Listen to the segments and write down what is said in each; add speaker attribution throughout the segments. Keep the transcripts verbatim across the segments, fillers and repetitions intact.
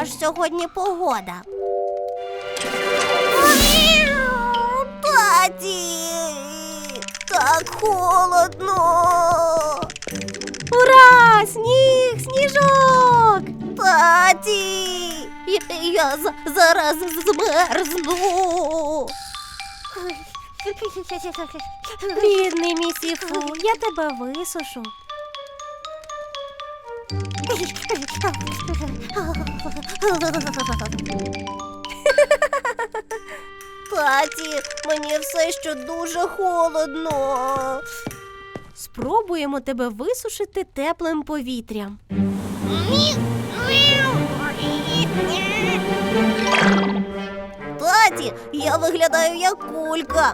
Speaker 1: Яка ж сьогодні погода? Таті! Так холодно!
Speaker 2: Ура! Сніг! Сніжок!
Speaker 1: Таті! Я, я за- зараз змерзну!
Speaker 2: Бідний місіфу, я тебе висушу.
Speaker 1: Таті, мені все ще дуже холодно.
Speaker 2: Спробуємо тебе висушити теплим повітрям.
Speaker 1: Таті, я виглядаю як кулька.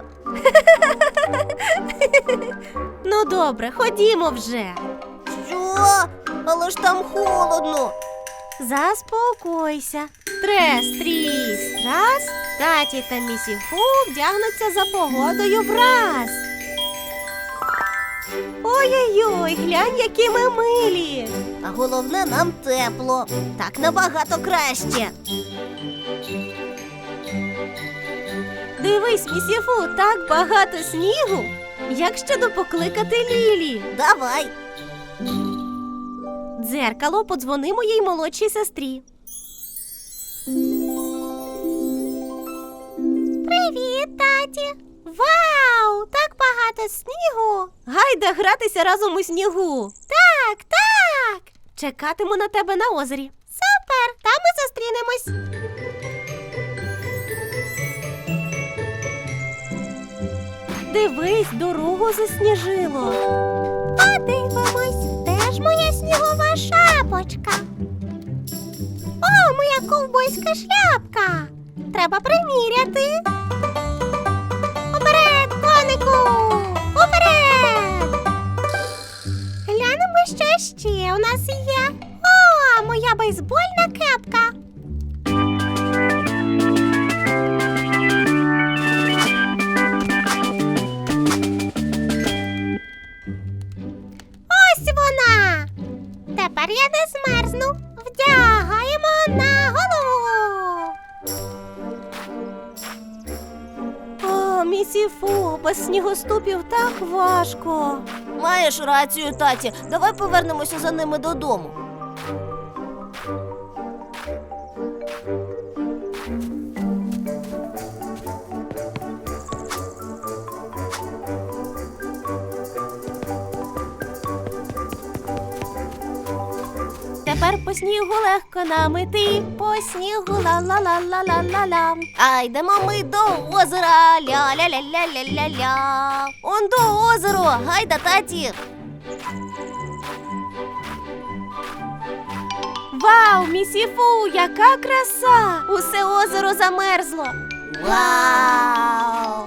Speaker 2: Ну добре, ходімо вже.
Speaker 1: Що? Але ж там холодно.
Speaker 2: Заспокойся. Трес, тріс, трас, таті та місіфу вдягнуться за погодою враз. Ой-ой-ой, глянь, які ми милі.
Speaker 1: А головне, нам тепло. Так набагато краще.
Speaker 2: Дивись, місіфу, так багато снігу. Як щодо покликати Лілі?
Speaker 1: Давай.
Speaker 2: Дзеркало, подзвони моїй молодшій сестрі. Привіт, таті! Вау! Так багато снігу! Гайда гратися разом у снігу! Так, так! Чекатиму на тебе на озері. Супер! Там ми зустрінемось! Дивись, дорогу засніжило. Подивимось, де ж моя снігова шапочка? О, моя ковбойська шляпка! Треба приміряти. Уперед, конику! Уперед! Глянемо, що ще у нас є. О, моя бейсбольна кепка! Ось вона! Тепер я не змерзну. Вдягаємо на голову. О, місіфу, без снігоступів так важко.
Speaker 1: Маєш рацію, таті. Давай повернемося за ними додому.
Speaker 2: Тепер по снігу легко нам іти, по снігу ла-ла-ла-ла-ла-ла-ла.
Speaker 1: А йдемо ми до озера. Ля-ля-ля-ля-ля-ля-ля. Он до озеро. Гайда, таті.
Speaker 2: Вау, місіфу, яка краса! Усе озеро замерзло.
Speaker 1: Вау!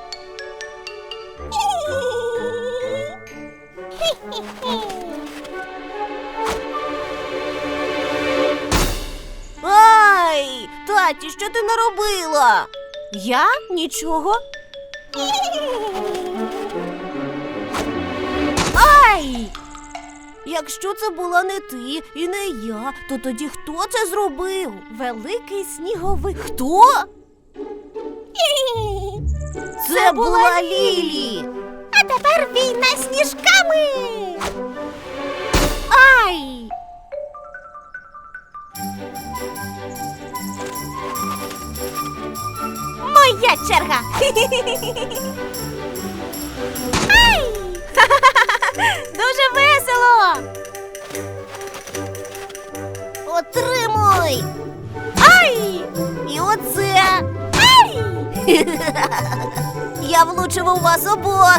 Speaker 1: Ай! Таті, що ти наробила?
Speaker 2: Я? Нічого. Ай!
Speaker 1: Якщо це була не ти і не я, то тоді хто це зробив?
Speaker 2: Великий сніговик.
Speaker 1: Хто? Це була Лілі.
Speaker 2: А тепер війна з сніжками. Ай! Моя черга. Ай! Дуже весело.
Speaker 1: Отримуй!
Speaker 2: Ай!
Speaker 1: І оце!
Speaker 2: Ай!
Speaker 1: Я влучив у вас обох!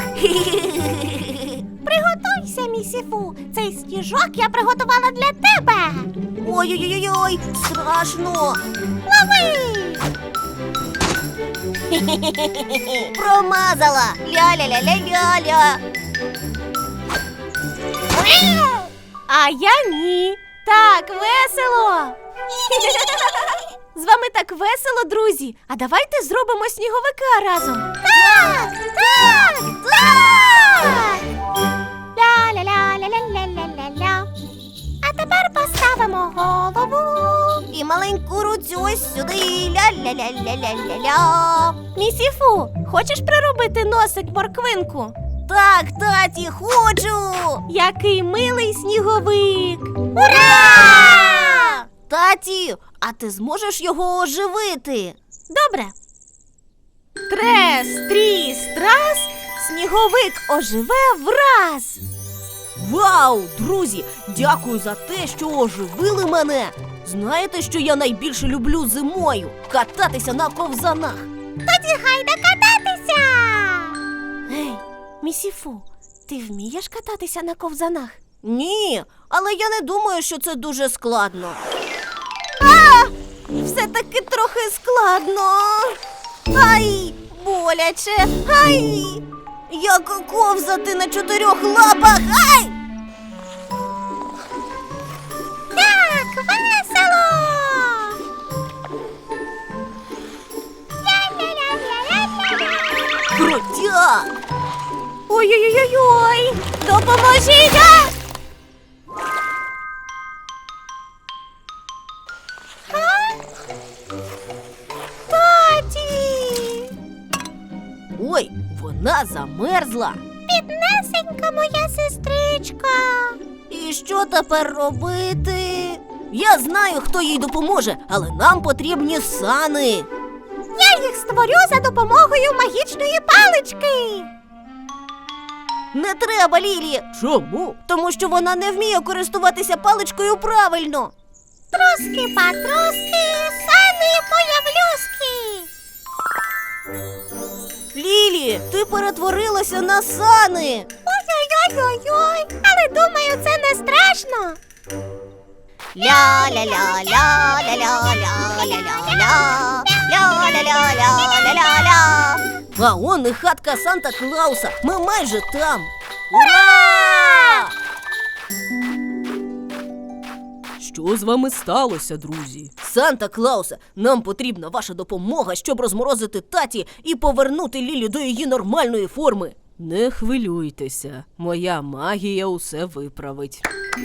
Speaker 2: Приготуйся, місіфу. Цей сніжок я приготувала для тебе.
Speaker 1: Ой-ой-ой, страшно!
Speaker 2: Лови!
Speaker 1: Промазала! Ля-ля-ля-ля-ля-ля!
Speaker 2: А я ні. Так весело. З вами так весело, друзі. А давайте зробимо сніговика разом.
Speaker 1: Так! Так! Так!
Speaker 2: Ля-ля-ля-ля-ля-ля-ля-ля. А Тепер поставимо голову.
Speaker 1: І маленьку руцю ось сюди. Ля-ля-ля-ля-ля-ля-ля.
Speaker 2: Місіфу, хочеш приробити носик морквинку?
Speaker 1: Так, таті, хочу!
Speaker 2: Який милий сніговик!
Speaker 1: Ура! Таті, а ти зможеш його оживити?
Speaker 2: Добре. Трес, тріс, трас, сніговик оживе враз.
Speaker 1: Вау, друзі, дякую за те, що оживили мене. Знаєте, що я найбільше люблю зимою? Кататися на ковзанах.
Speaker 2: Тоді гайда кататися! Гей, Місіфу, ти вмієш кататися на ковзанах?
Speaker 1: Ні, але я не думаю, що це дуже складно.
Speaker 2: А! Все-таки трохи складно.
Speaker 1: Ай, боляче, ай! Як ковзати на чотирьох лапах, ай!
Speaker 2: Так, весело! Ля-ля-ля-ля-ля-ля-ля!
Speaker 1: Крутяк!
Speaker 2: Ой-ой-ой-ой! Допоможіть! А! А? Таті!
Speaker 1: Ой, вона замерзла.
Speaker 2: Біднесенька моя сестричка!
Speaker 1: І що тепер робити? Я знаю, хто їй допоможе, але нам потрібні сани.
Speaker 2: Я їх створю за допомогою магічної палички!
Speaker 1: Не треба, Лілі. Чому? Тому що вона не вміє користуватися паличкою правильно.
Speaker 2: Троски патроски, сани появлюски!
Speaker 1: Лілі, ти перетворилася на сани.
Speaker 2: Ой-ой-ой-ой-ой! Але думаю, це не страшно!
Speaker 1: Ля-ля-ля-ля-ля-ля-ля-ля-ля. Ля-ля-ля-ля-ля-ля-ля. А он і хатка Санта-Клауса. Ми майже там. Ура! Що з вами сталося, друзі? Санта-Клаусе, нам потрібна ваша допомога, щоб розморозити таті і повернути Лілі до її нормальної форми. Не хвилюйтеся, моя магія усе виправить.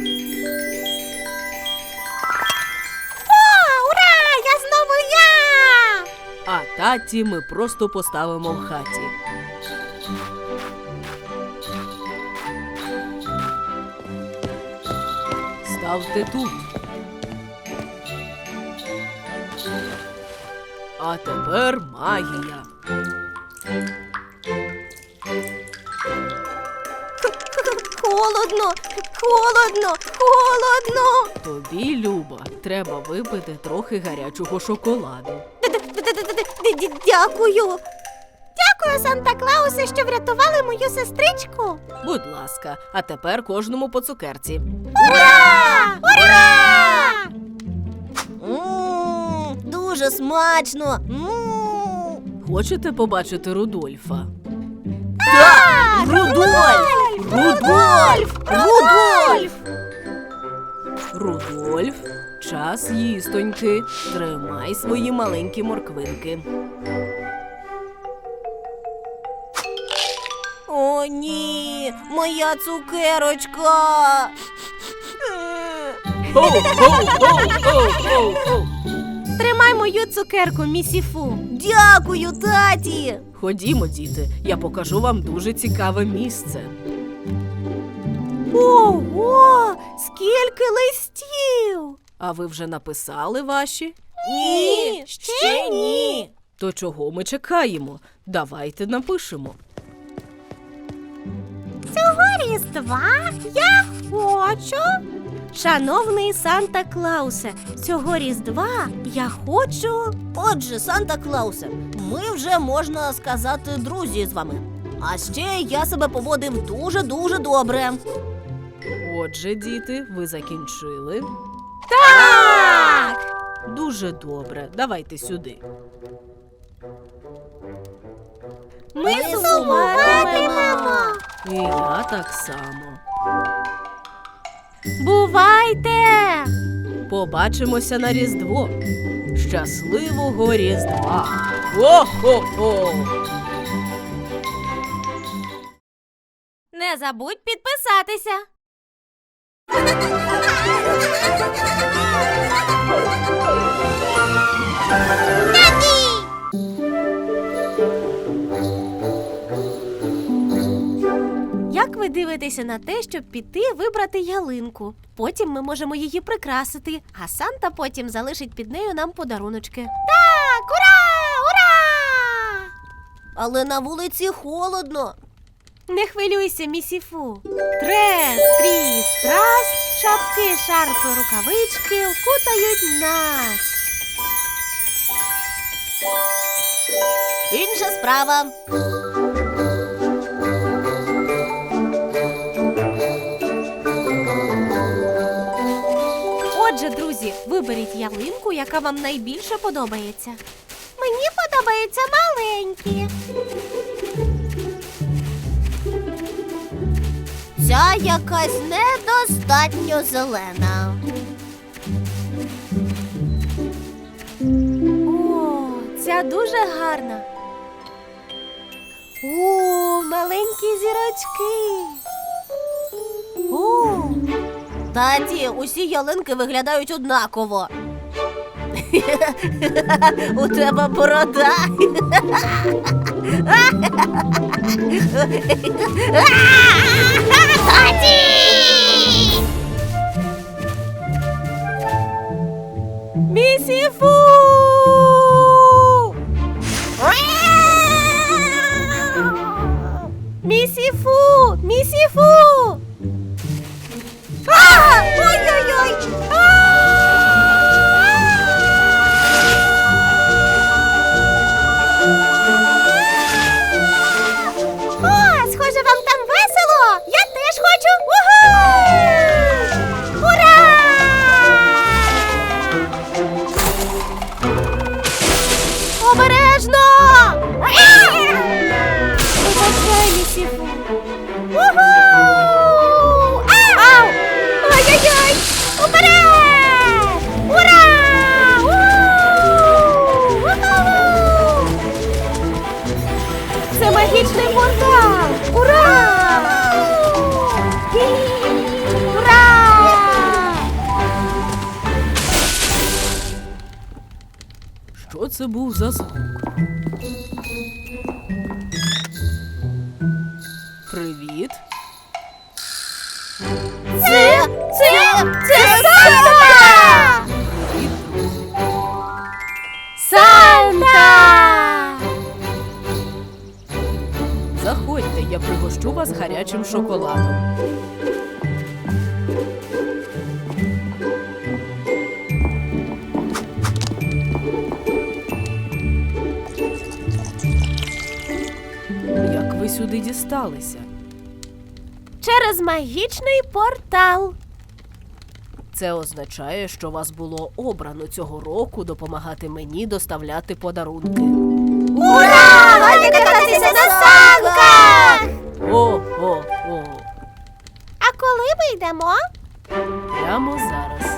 Speaker 2: О, ура! Я знову я!
Speaker 1: А таті ми просто поставимо в хаті. Ставте тут. А тепер магія.
Speaker 2: Холодно, холодно, холодно!
Speaker 1: Тобі, Люба, треба випити трохи гарячого шоколаду.
Speaker 2: Д-д-д-д-д-д- Дякую! Дякую, Санта-Клаусе, що врятували мою сестричку!
Speaker 1: Будь ласка, а тепер кожному по цукерці.
Speaker 2: Ура! Ура!
Speaker 1: Ммм, дуже смачно. Ммм. Хочете побачити Рудольфа?
Speaker 2: Так!
Speaker 1: Рудольф! Рудольф! Рудольф! Рудольф, час їстоньки. Тримай свої маленькі морквинки. О, ні, моя цукерочка.
Speaker 2: Тримай мою цукерку, Місіфу.
Speaker 1: Дякую, таті. Ходімо, діти, я покажу вам дуже цікаве місце.
Speaker 2: Ого! Скільки листів!
Speaker 1: А ви вже написали ваші?
Speaker 2: Ні, ще ні.
Speaker 1: То чого ми чекаємо? Давайте напишемо.
Speaker 2: Цього різдва я хочу. Шановний Санта-Клаусе, цього різдва я хочу.
Speaker 1: Отже, Санта-Клаусе, ми вже, можна сказати, друзі з вами. А ще я себе поводив дуже-дуже добре. Отже, діти, ви закінчили?
Speaker 2: Так!
Speaker 1: Дуже добре. Давайте сюди.
Speaker 2: Ми
Speaker 1: Ми
Speaker 2: сумуватимемо.
Speaker 1: І я так само.
Speaker 2: Бувайте!
Speaker 1: Побачимося на Різдво. Щасливого Різдва! Хо-хо-хо!
Speaker 2: Не забудь підписатися. Як ви дивитеся на те, щоб піти вибрати ялинку? Потім ми можемо її прикрасити, а Санта потім залишить під нею нам подаруночки. Так, ура! Ура!
Speaker 1: Але на вулиці холодно.
Speaker 2: Не хвилюйся, місіфу. Трес, тріс, трас, шапки, шарфи, рукавички вкутають нас.
Speaker 1: Інша справа.
Speaker 2: Отже, друзі, виберіть ялинку, яка вам найбільше подобається. Мені подобаються маленькі.
Speaker 1: Ця якась недостатньо зелена.
Speaker 2: О, ця дуже гарна. О, маленькі зірочки. О,
Speaker 1: Таті, усі ялинки виглядають однаково. У тебе борода. Таті!
Speaker 2: місіфу! Місіфу! Місіфу! А! Ой-ой-ой! О, схоже, вам там весело! Я теж хочу! Уху! Ура! Обережно! Вибачай, місіфу! Уху! Ау! Ой-ой-ой! Уперед! Ура! У! Уху! Це магічний портал! Ура! Ура!
Speaker 1: Що це був за звук? Привіт.
Speaker 2: Це, це, це Санта!
Speaker 1: Привіт, друзі.
Speaker 2: Санта!
Speaker 1: Заходьте, я пригощу вас гарячим шоколадом. Як ви сюди дісталися?
Speaker 2: Через магічний портал.
Speaker 1: Це означає, що вас було обрано цього року допомагати мені доставляти подарунки.
Speaker 2: Ура! Гайда кататися на санках!
Speaker 1: О, о, о.
Speaker 2: А коли ми йдемо?
Speaker 1: Прямо зараз.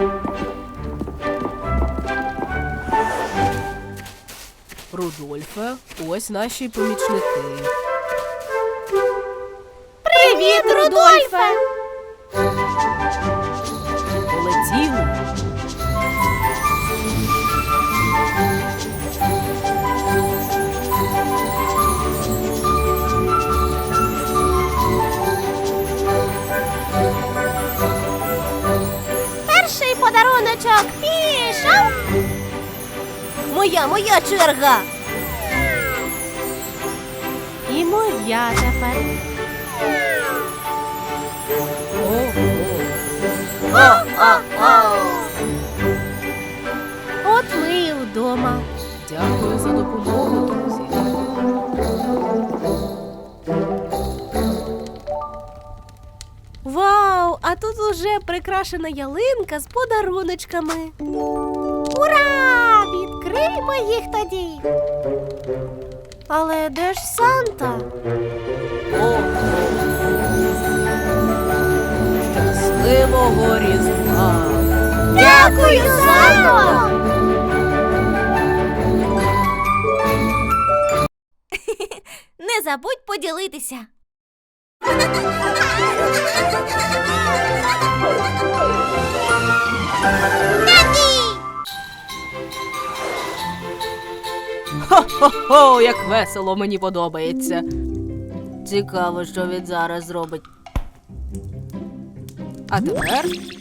Speaker 1: Рудольфе, ось наші помічники.
Speaker 2: Привіт, Рудольфе!
Speaker 1: Полетіли.
Speaker 2: Перший подаруночок пішов!
Speaker 1: Моя, моя черга.
Speaker 2: І моя тепер.
Speaker 1: О, о.
Speaker 2: О-о-о! От ми і вдома.
Speaker 1: Дякую за допомогу, друзі.
Speaker 2: Вау! А тут уже прикрашена ялинка з подаруночками. Ура! Відкриймо їх тоді. Але де ж Санта?
Speaker 1: О, щасливого Різдва!
Speaker 2: Дякую, Санто! Не забудь поділитися.
Speaker 1: Хо-хо-хо, як весело, мені подобається. Цікаво, що він зараз зробить. А тепер...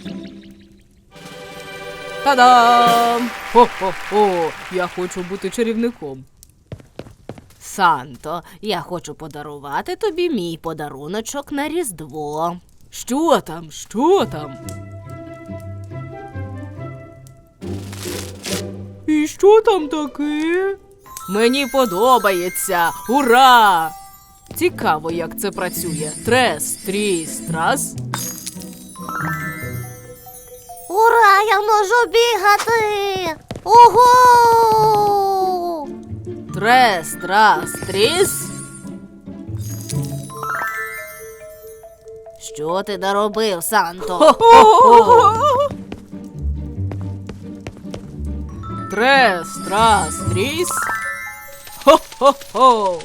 Speaker 1: Та-дам! Хо-хо-хо, я хочу бути чарівником. Санто, я хочу подарувати тобі мій подаруночок на Різдво. Що там? Що там? І що там таке? Мені подобається! Ура! Цікаво, як це працює. Трес, тріс, трас.
Speaker 2: Ура, я можу бігати! Ого!
Speaker 1: Трес, трас, тріс.
Speaker 2: Що ти наробив, Санто?
Speaker 1: Хо-хо-хо! Трес, трас, тріс. Хо-хо-хо!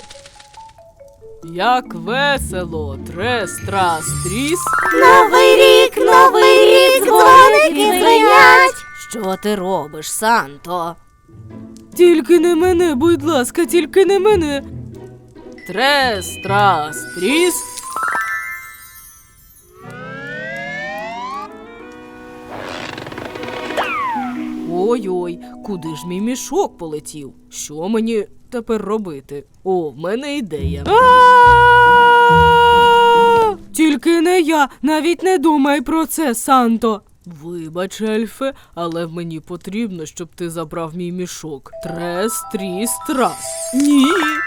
Speaker 1: Як весело! Трес, трас, тріс.
Speaker 2: Новий рік, новий рік, дзвоники дзвенять!
Speaker 1: Що ти робиш, Санто? Тільки не мене, будь ласка, тільки не мене. Трес, трас, тріс. Ой-ой, куди ж мій мішок полетів? Що мені тепер робити? О, в мене ідея. Тільки не я, навіть не думай про це, Санто. Вибач, Ельфе, але мені потрібно, щоб ти забрав мій мішок. Трес, тріс, трас. Ні.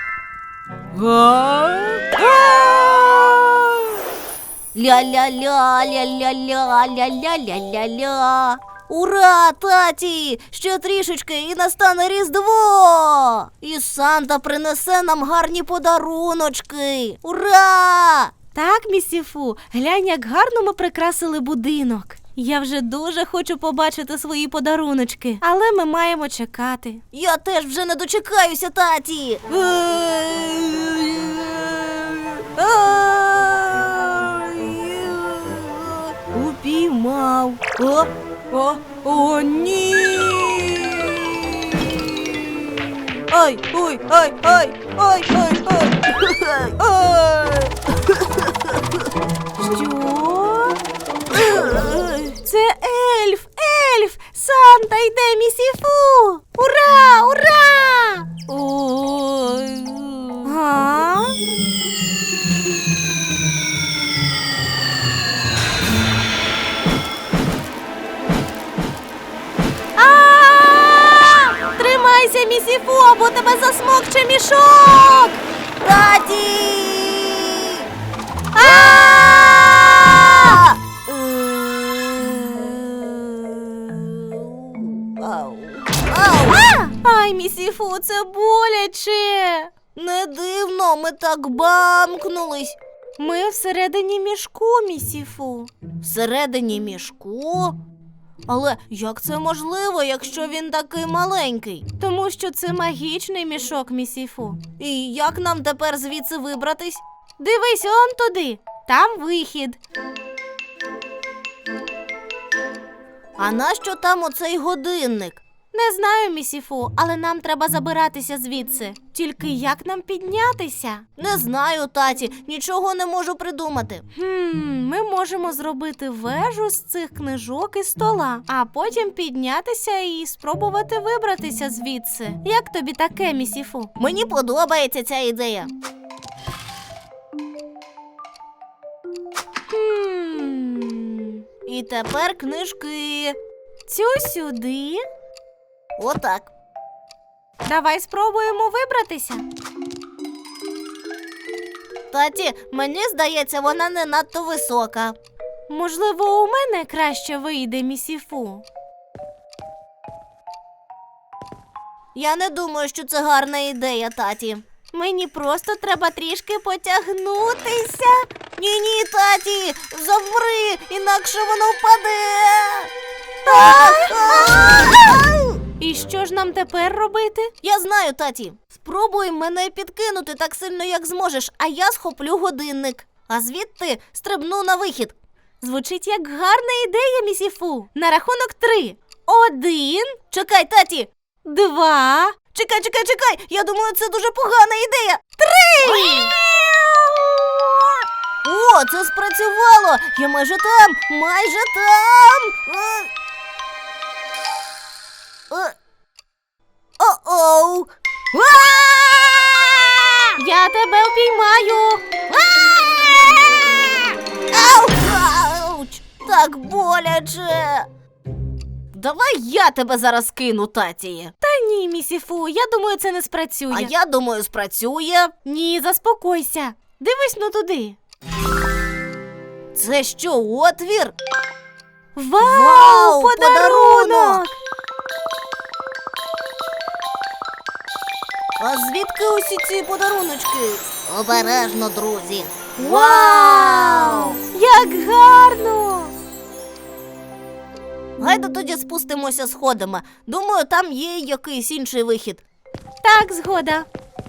Speaker 1: Га?
Speaker 2: Ля-ля-ля, ля-ля-ля, ля-ля-ля-ля-ля. Ура, таті! Ще трішечки і настане Різдво! І Санта принесе нам гарні подаруночки! Ура! Так, місіфу, глянь, як гарно ми прикрасили будинок. Я вже дуже хочу побачити свої подаруночки, але ми маємо чекати. Я теж вже не дочекаюся, таті! Упіймав. О,
Speaker 1: О, о, ні!
Speaker 2: ой, ой, ой, ой, ой, ой, ой. Ой. Що? Це ельф, ельф! Санта йде, місіфу! Ура, ура!
Speaker 1: Ой.
Speaker 2: А? А! Тримайся, місіфу, або тебе засмокче мішок! Таті! А! Ау. Ау. Ай, місіфу, це боляче. Не дивно, ми так бамкнулись. Ми всередині мішку, місіфу. Всередині мішку? Але як це можливо, якщо він такий маленький? Тому що це магічний мішок, місіфу. І як нам тепер звідси вибратись? Дивись, он туди. Там вихід. А нащо там оцей годинник? Не знаю, місіфу, але нам треба забиратися звідси. Тільки як нам піднятися? Не знаю, таті, нічого не можу придумати. Хм, ми можемо зробити вежу з цих книжок і стола, а потім піднятися і спробувати вибратися звідси. Як тобі таке, місіфу? Мені подобається ця ідея. Хм, і тепер книжки. Цю сюди. Отак. Давай спробуємо вибратися. Таті, мені здається, вона не надто висока. Можливо, у мене краще вийде, місіфу. Я не думаю, що це гарна ідея, таті. Мені просто треба трішки потягнутися. Ні-ні, таті, заври, інакше воно впаде. І що ж нам тепер робити? Я знаю, таті. Спробуй мене підкинути так сильно, як зможеш, а я схоплю годинник.
Speaker 1: а звідти стрибну на вихід.
Speaker 2: Звучить як гарна ідея, місіфу. На рахунок три. Один,
Speaker 1: Чекай, таті!
Speaker 2: два.
Speaker 1: Чекай, чекай, чекай! Я думаю, це дуже погана ідея. Три! О, це спрацювало! Я майже там! Майже там! Е. Е. О-оу! А!
Speaker 2: Я тебе впіймаю.
Speaker 1: Ау! Ауч! Так боляче! Давай я тебе зараз кину, таті.
Speaker 2: Та ні, місіфу, я думаю, це не спрацює.
Speaker 1: А я думаю, спрацює.
Speaker 2: Ні, заспокойся. Дивись ну туди.
Speaker 1: Це що, отвір?
Speaker 2: Вау,
Speaker 1: Вау,
Speaker 2: подарунок!
Speaker 1: подарунок! А звідки усі ці подаруночки? Обережно, друзі.
Speaker 2: Вау! Як гарно!
Speaker 1: Гайда тоді спустимося сходами. Думаю, там є якийсь інший вихід.
Speaker 2: Так, згода.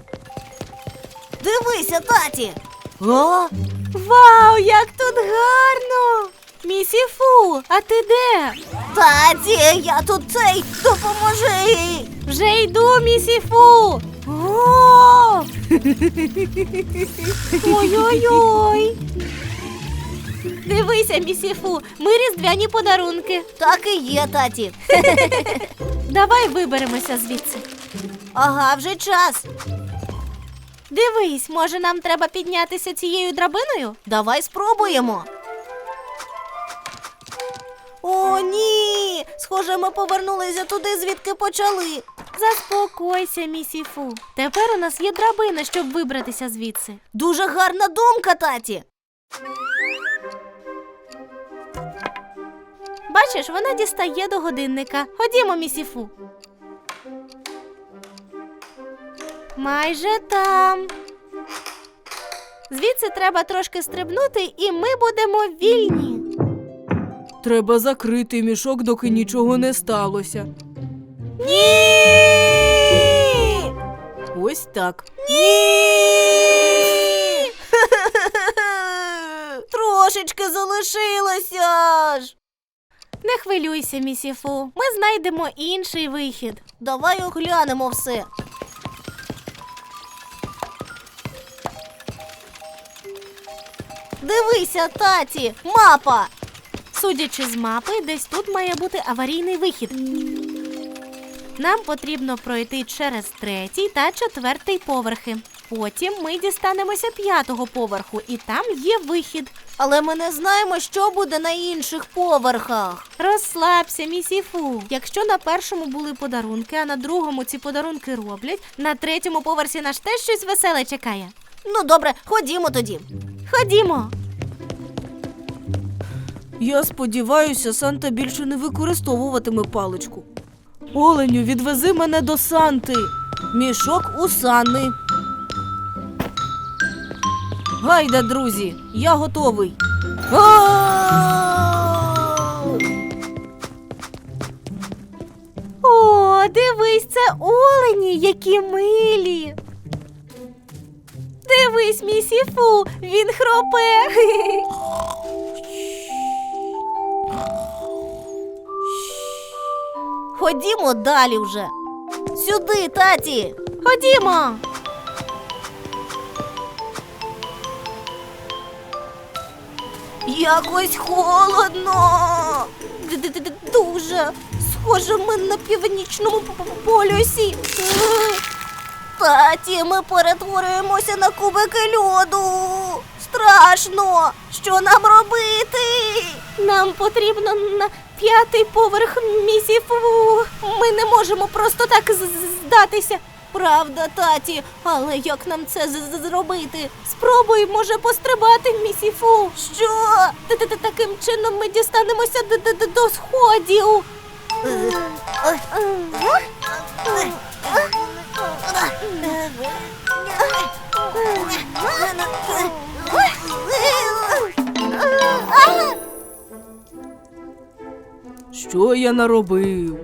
Speaker 1: Дивися, таті! О!
Speaker 2: Вау, як тут гарно! Місіфу, а ти де?
Speaker 1: Таті, я тут цей, допоможи!
Speaker 2: Вже йду, місіфу! О! Ой-ой-ой! Дивися, місіфу, ми різдвяні подарунки.
Speaker 1: Так і є, таті.
Speaker 2: Давай виберемося звідси.
Speaker 1: Ага, вже час.
Speaker 2: Дивись, може нам треба піднятися цією драбиною?
Speaker 1: Давай спробуємо. О, ні! Схоже, ми повернулися туди, звідки почали.
Speaker 2: Заспокойся, місіфу. Тепер у нас є драбина, щоб вибратися звідси.
Speaker 1: Дуже гарна думка, таті.
Speaker 2: Бачиш, вона дістає до годинника. Ходімо, місіфу. Майже там. Звідси треба трошки стрибнути, і ми будемо вільні.
Speaker 3: Треба закрити мішок, доки нічого не сталося.
Speaker 2: Ні!
Speaker 3: Ось так.
Speaker 1: Ні! Трошечки залишилося ж.
Speaker 2: Не хвилюйся, місіфу. Ми знайдемо інший вихід.
Speaker 1: Давай оглянемо все. Дивися, таті, мапа.
Speaker 2: Судячи з мапи, десь тут має бути аварійний вихід. Нам потрібно пройти через третій та четвертий поверхи. Потім ми дістанемося п'ятого поверху, і там є вихід.
Speaker 1: Але ми не знаємо, що буде на інших поверхах.
Speaker 2: Розслабся, місіфу. Якщо на першому були подарунки, а на другому ці подарунки роблять, на третьому поверсі нас теж щось веселе чекає.
Speaker 1: Ну добре, ходімо тоді.
Speaker 2: Ходімо.
Speaker 3: Я сподіваюся, Санта більше не використовуватиме паличку. Оленю, відвези мене до Санти.
Speaker 1: Мішок у сани.
Speaker 3: Гайда, друзі, я готовий.
Speaker 2: О, дивись, це олені, які милі. Дивись, місіфу, він хропе.
Speaker 1: Ходімо далі вже. Сюди, таті.
Speaker 2: Ходімо.
Speaker 1: Якось холодно. Д-д-д- Дуже. Схоже, ми на північному п- п- полюсі. Таті, ми перетворюємося на кубики льоду. Страшно. Що нам робити?
Speaker 2: Нам потрібно на п'ятий поверх, місіфу. Ми не можемо просто так з- з- здатися.
Speaker 1: Правда, таті, але як нам це з- з- зробити?
Speaker 2: Спробуй, може, пострибати, місіфу.
Speaker 1: Що?
Speaker 2: Т-т-т- Таким чином ми дістанемося д- д- д- до сходів.
Speaker 3: Що я наробив?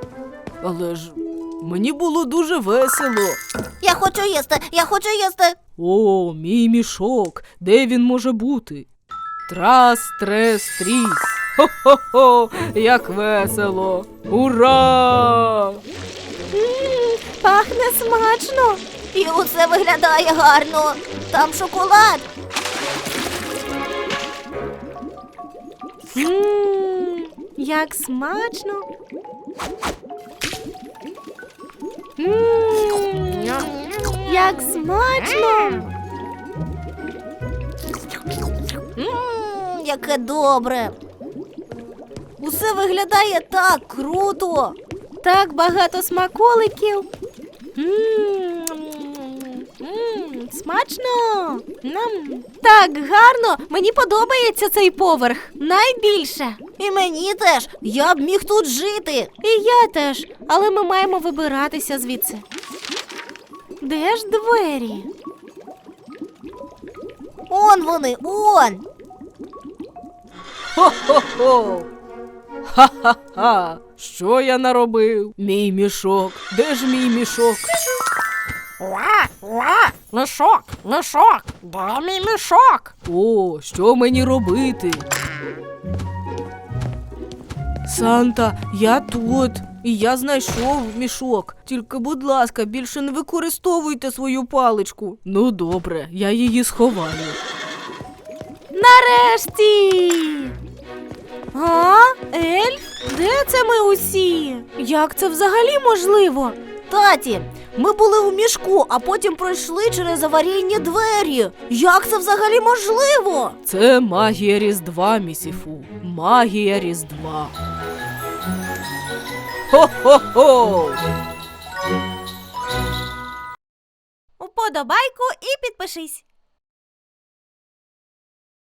Speaker 3: Але ж мені було дуже весело.
Speaker 1: Я хочу їсти, я хочу їсти.
Speaker 3: О, мій мішок, де він може бути? Трас, трес, тріс. Хо-хо-хо, як весело! Ура!
Speaker 2: Мм, пахне смачно. І оце виглядає гарно. Там шоколад. Мм, як смачно. Мм, як смачно. Мм, яке добре. Усе виглядає так круто. Так багато смаколиків. Мм, мм, смачно. Нам. Так гарно. Мені подобається цей поверх. Найбільше.
Speaker 1: І мені теж. Я б міг тут жити.
Speaker 2: І я теж. Але ми маємо вибиратися звідси. Де ж двері?
Speaker 1: Он вони, он.
Speaker 3: Хо-хо-хо! Ха-ха-ха! Що я наробив? Мій мішок. Де ж мій мішок?
Speaker 4: Уа, уа, мішок, мішок, де мій мішок?
Speaker 3: О, що мені робити? Санта, я тут. І я знайшов мішок. Тільки, будь ласка, більше не використовуйте свою паличку. Ну добре, я її сховаю.
Speaker 2: Нарешті! А? Ельф? Де це ми усі? Як це взагалі можливо?
Speaker 1: Таті, ми були у мішку, а потім пройшли через аварійні двері. Як це взагалі можливо?
Speaker 3: Це магія Різдва, місіфу. Магія Різдва. Хо-хо-хо!
Speaker 2: Уподобайку і підпишись.